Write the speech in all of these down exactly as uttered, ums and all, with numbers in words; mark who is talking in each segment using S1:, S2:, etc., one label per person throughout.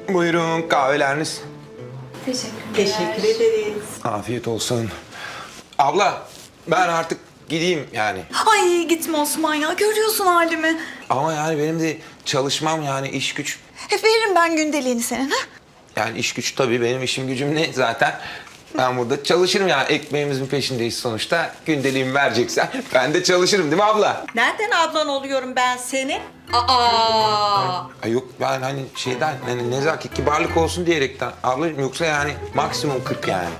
S1: Buyurun kahveleriniz.
S2: Teşekkür
S3: Teşekkür ederiz.
S1: Afiyet olsun. Abla ben artık gideyim yani.
S2: Ay gitme Osman ya, görüyorsun halimi.
S1: Ama yani benim de çalışmam yani iş güç.
S2: Hep veririm ben gündeliğini senin ha.
S1: Yani iş güç tabii benim işim gücüm ne zaten. Ben burada çalışırım yani ekmeğimizin peşindeyiz sonuçta. Gündeliğimi vereceksen ben de çalışırım değil mi abla?
S3: Nereden ablan oluyorum ben senin? Aa!
S1: Ay yok ben hani şeyden hani nezaket kibarlık olsun diyerekten ablacığım yoksa yani maksimum kırk yani.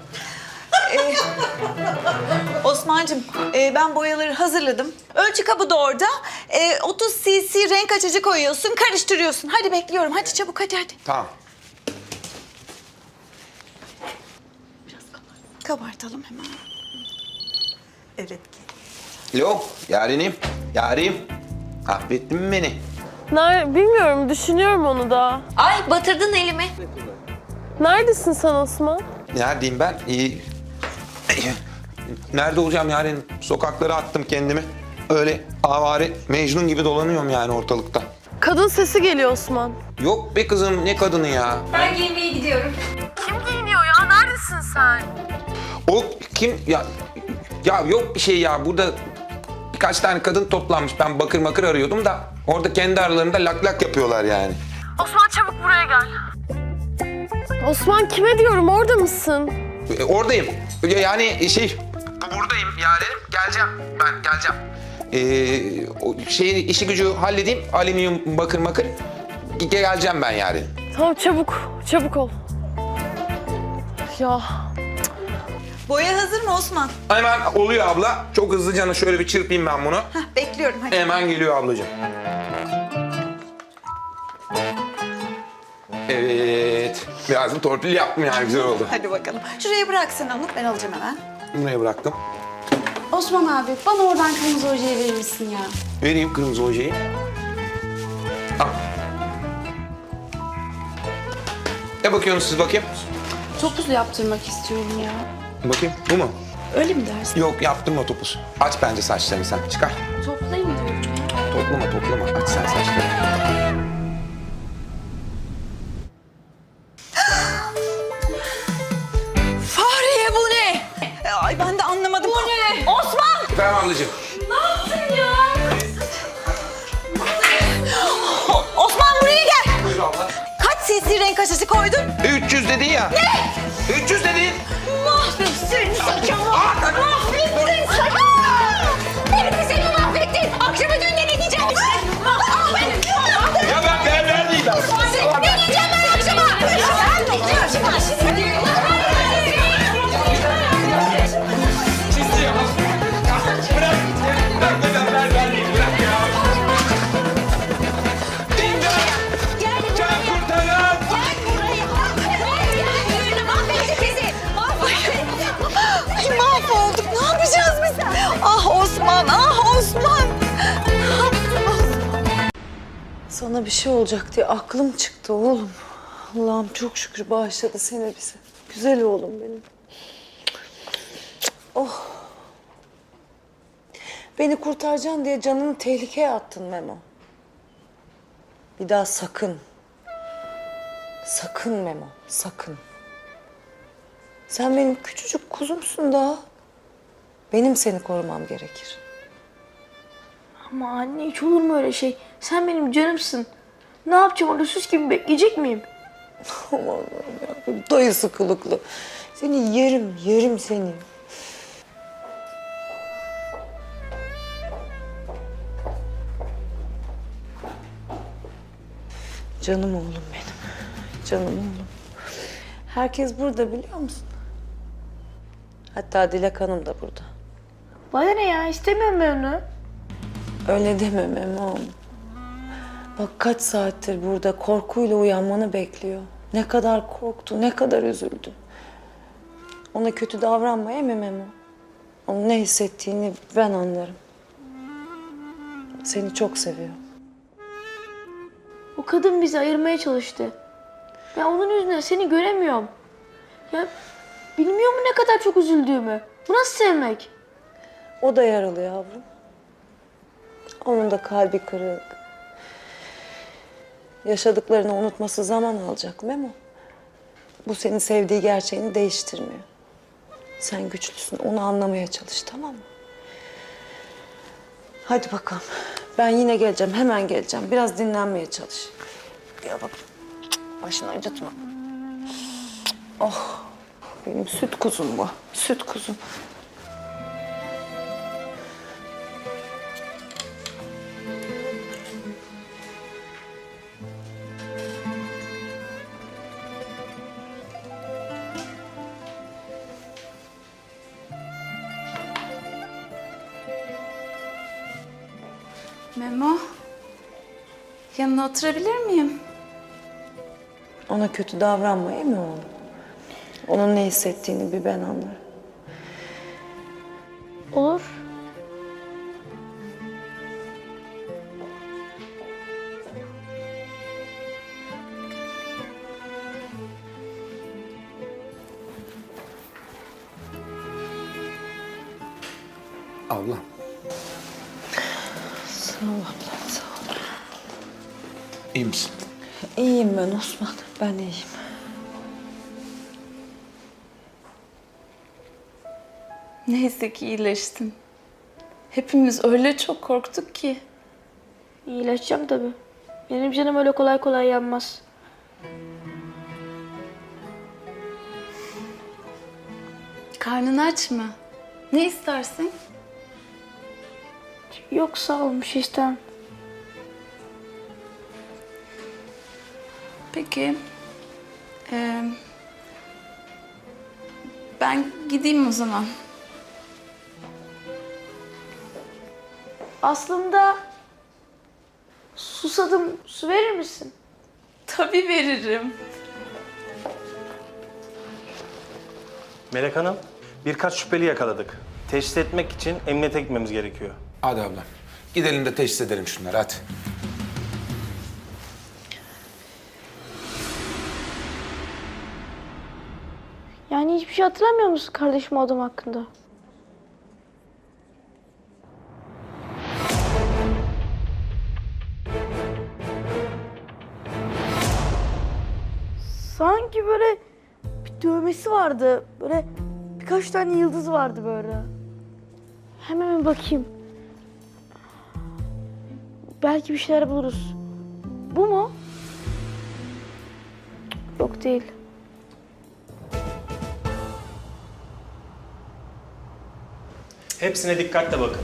S2: Osman'cığım e, ben boyaları hazırladım. Ölçü kabı da orada. E, otuz cc renk açıcı koyuyorsun, karıştırıyorsun. Hadi bekliyorum, hadi çabuk hadi hadi.
S1: Tamam.
S2: Kabartalım hemen.
S3: Evet.
S1: Yok yarenim, yarim. Affettin mi beni?
S4: Ner bilmiyorum, düşünüyorum onu da.
S5: Ay batırdın elimi.
S4: Neredesin sen Osman?
S1: Neredeyim ben? İyi. Nerede olacağım yarenim? Sokaklara attım kendimi. Öyle avare Mecnun gibi dolanıyorum yani ortalıkta.
S4: Kadın sesi geliyor Osman.
S1: Yok be kızım ne kadını ya?
S5: Ben giyinmeye gidiyorum.
S4: Kim giyiniyor ya? Neredesin sen?
S1: O kim ya? Ya yok bir şey ya burada birkaç tane kadın toplanmış. Ben bakır makır arıyordum da orada kendi aralarında lak lak yapıyorlar yani.
S4: Osman çabuk buraya gel. Osman kime diyorum, orada mısın?
S1: E, oradayım. Yani şey buradayım yarenim. Geleceğim ben geleceğim. Ee, o şeyi işi gücü halledeyim. Alüminyum bakır makır. Ge- Geleceğim ben yani.
S4: Tamam çabuk, çabuk ol. Ya
S2: Boya hazır mı Osman?
S1: Hemen oluyor abla. Çok hızlıca şöyle bir çırpayım ben bunu.
S2: Hah, bekliyorum hadi.
S1: Hemen geliyor ablacığım. Evet. Biraz da torpil yaptım yani güzel oldu.
S2: Hadi bakalım. Şuraya bıraksın onu, ben alacağım hemen.
S1: Buraya bıraktım.
S5: Osman abi bana oradan kırmızı ojeyi verir misin ya?
S1: Vereyim kırmızı ojeyi. Al. Ne bakıyorsunuz siz bakayım?
S5: Topuz yaptırmak istiyorum ya.
S1: Bakayım bu mu?
S5: Öyle mi dersin?
S1: Yok yaptırma topuz. Aç bence saçlarını sen. Çıkar.
S5: Toplayayım diyorum ya.
S1: Toplama toplama. Aç sen saçlarını.
S2: Fahriye bu ne? E, Ay ben de anlamadım. Bu ne? Osman!
S1: Efendim ablacığım.
S2: O- Osman buraya gel.
S1: Buyur abla.
S2: Kaç cc renk açıcı koydun?
S1: üç yüz dedin ya. Ne? üç yüz dedin.
S2: Mahvettin saçımı. Mahvettin saçımı. Beni de seni mahvettin. Akşama düğünde ne diyeceğim?
S1: Ya ben ben neredeyim ben?
S2: Ne diyeceğim ben akşama? Ben ne diyeceğim?
S1: Çizdi ya. Bırak. Bırak ben ben neredeyim? Bırak ya. İmdat. Can kurtaran.
S2: Ay mahvolduk. Ne yapacağız biz? Ah Osman, ah Osman. Ne yaptın Osman?
S6: Sana bir şey olacak diye aklım çıktı oğlum. Allah'ım çok şükür bağışladı seni bize. Güzel oğlum benim. Oh. Beni kurtaracaksın diye canını tehlikeye attın Memo. Bir daha sakın. Sakın Memo, sakın. Sen benim küçücük kuzumsun daha. Benim seni korumam gerekir.
S7: Ama anne hiç olur mu öyle şey? Sen benim canımsın. Ne yapacağım orada süs gibi bekleyecek miyim?
S6: Aman Allah'ım ya, dayısı kılıklı. Seni yerim, yerim seni. Canım oğlum benim. Canım oğlum. Herkes burada biliyor musun? Hatta Dilek Hanım da burada.
S7: Bana ne ya, istemiyorum ben onu.
S6: Öyle deme Memom. Bak kaç saattir burada korkuyla uyanmanı bekliyor. Ne kadar korktu, ne kadar üzüldü. Ona kötü davranmaya mı Memo? Onun ne hissettiğini ben anlarım. Seni çok seviyor.
S7: O kadın bizi ayırmaya çalıştı. Ben onun yüzünden seni göremiyorum. Ya bilmiyor mu ne kadar çok üzüldüğümü? Bu nasıl sevmek?
S6: O da yaralı yavrum. Onun da kalbi kırık. Yaşadıklarını unutması zaman alacak Memo. Bu senin sevdiği gerçeğini değiştirmiyor. Sen güçlüsün, onu anlamaya çalış, tamam mı? Hadi bakalım. Ben yine geleceğim, hemen geleceğim. Biraz dinlenmeye çalış. Gel bak. Başını acıtma. Oh, benim süt kuzum bu. Süt kuzum.
S5: Memo, yanına oturabilir miyim?
S6: Ona kötü davranma, iyi mi oğlum? Onun ne hissettiğini bir ben anlarım.
S7: Olur.
S1: Abla.
S6: Sağ ol abla, sağ ol.
S1: İyi misin?
S6: İyiyim ben Osman, ben iyiyim.
S5: Neyse ki iyileştin. Hepimiz öyle çok korktuk ki.
S7: İyileşeceğim tabii. Benim canım öyle kolay kolay yanmaz.
S5: Karnın aç mı? Ne istersin?
S7: Yok sağ ol, bir şey istemem.
S5: Peki. Ee, ben gideyim o zaman.
S7: Aslında susadım, su verir misin?
S5: Tabii veririm.
S8: Melek Hanım, birkaç şüpheli yakaladık. Teşhis etmek için emniyete gitmemiz gerekiyor.
S1: Hadi ablam. Gidelim de teşhis edelim şunları hadi.
S7: Yani hiçbir şey hatırlamıyor musun kardeşim o adam hakkında? Sanki böyle bir dövmesi vardı. Böyle birkaç tane yıldız vardı böyle. Hemen bir bakayım. Belki bir şeyler buluruz. Bu mu? Yok değil.
S8: Hepsine dikkatle bakın.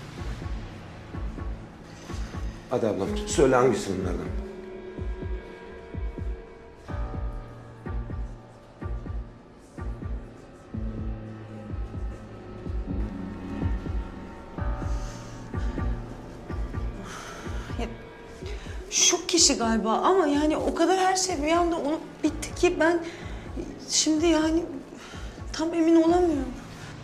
S1: Hadi ablam. Söyle hangisi bunlardan?
S6: Şu kişi galiba ama yani o kadar her şey bir anda olup bitti ki ben şimdi yani tam emin olamıyorum.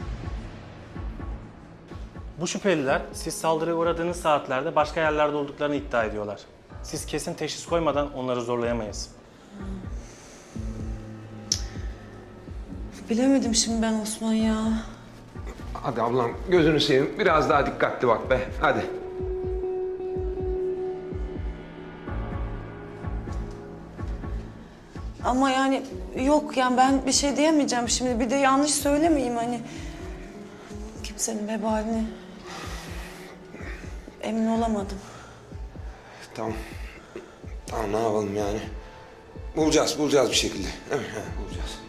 S8: Bu şüpheliler siz saldırıya uğradığınız saatlerde başka yerlerde olduklarını iddia ediyorlar. Siz kesin teşhis koymadan onları zorlayamayız.
S6: Bilemedim şimdi ben Osman ya.
S1: Hadi ablam gözünü seveyim. Biraz daha dikkatli bak be. Hadi.
S6: Ama yani yok yani ben bir şey diyemeyeceğim şimdi. Bir de yanlış söylemeyeyim hani. Kimsenin vebalini emin olamadım.
S1: Tamam. Tamam ne yapalım yani? Bulacağız, bulacağız bir şekilde. Değil mi? He, bulacağız.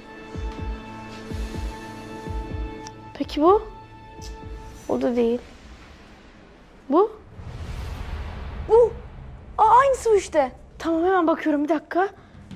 S7: Peki bu? O da değil. Bu? Bu. Aa, aynısı bu işte. Tamam hemen bakıyorum bir dakika.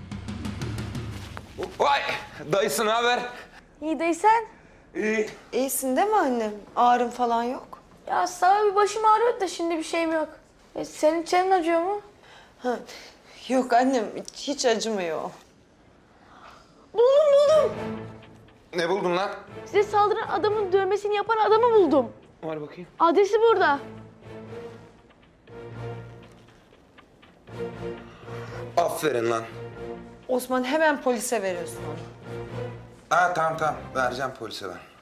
S1: Vay! Dayısı ne haber?
S7: İyi değilsen.
S1: İyi.
S6: İyisin değil mi annem? Ağrım falan yok.
S7: Ya sağ bir başım ağrıyor da şimdi bir şeyim yok. E, senin çenen acıyor mu?
S6: Ha. Yok annem hiç acımıyor.
S7: Buldum buldum.
S1: Ne buldun lan?
S7: Size saldıran adamın dövmesini yapan adamı buldum.
S1: Var bakayım.
S7: Adresi burada.
S1: Aferin lan.
S6: Osman hemen polise veriyorsun onu.
S1: Ha tamam tamam. Vereceğim polise ben.